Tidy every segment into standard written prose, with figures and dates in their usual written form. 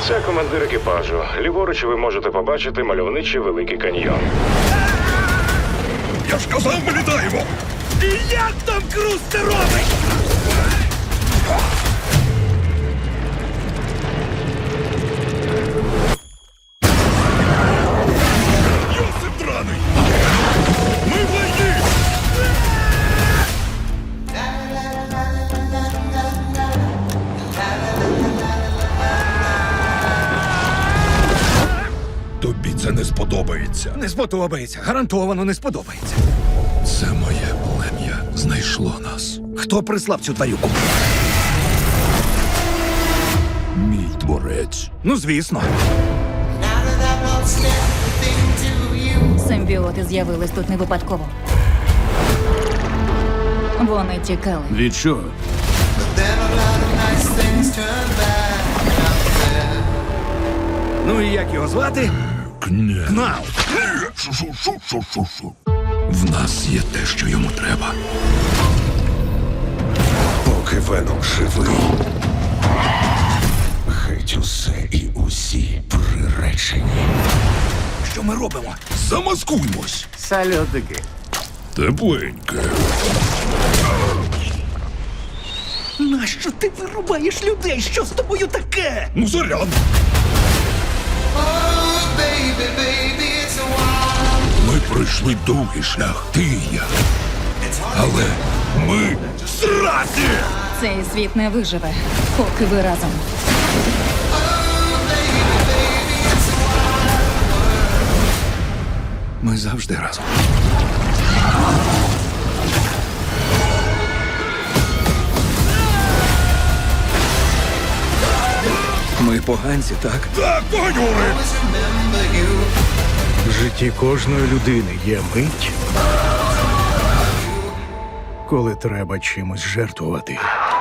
Це командир екіпажу. Ліворуч ви можете побачити мальовничий Великий каньйон. Я ж казав, ми літаємо! І як там Круз це робить? Йосип драний! Ми в лайні! Тобі це не сподобається. Не сподобається, гарантовано не сподобається. Це моє плем'я знайшло нас. Хто прислав цю тварюку? Мій творець. Ну, звісно. Симбіоти з'явились тут не випадково. Вони тікали. Від чого? Ну і як його звати? Кне. Кнал. Шу-шу-шу-шу-шу. В нас є те, що йому треба. Поки Веном живий, геть усе і усі приречені. Що ми робимо? Замаскуймось. Сальотики. Тепленьке. Нащо ти вирубаєш людей? Що з тобою таке? Ну, заряд. Ми пройшли довгий шлях, ти і я. Але ми зраді! Цей світ не виживе, поки ви разом. Ми завжди разом. Ми поганці, так? Так, поганюри! В житті кожної людини є мить, коли треба чимось жертвувати.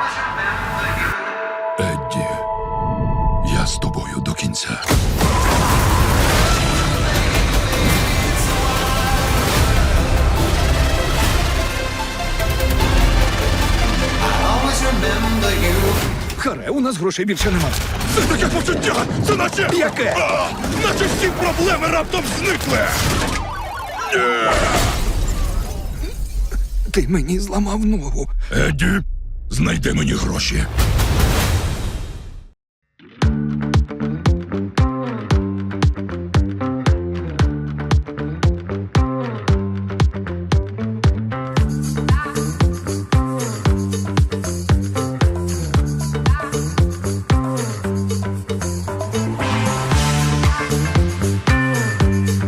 Едді, я з тобою до кінця. Харе, у нас грошей більше нема. Це таке почуття! Це наче... Яке? Наче всі проблеми раптом зникли! Ти мені зламав ногу. Едді, знайди мені гроші.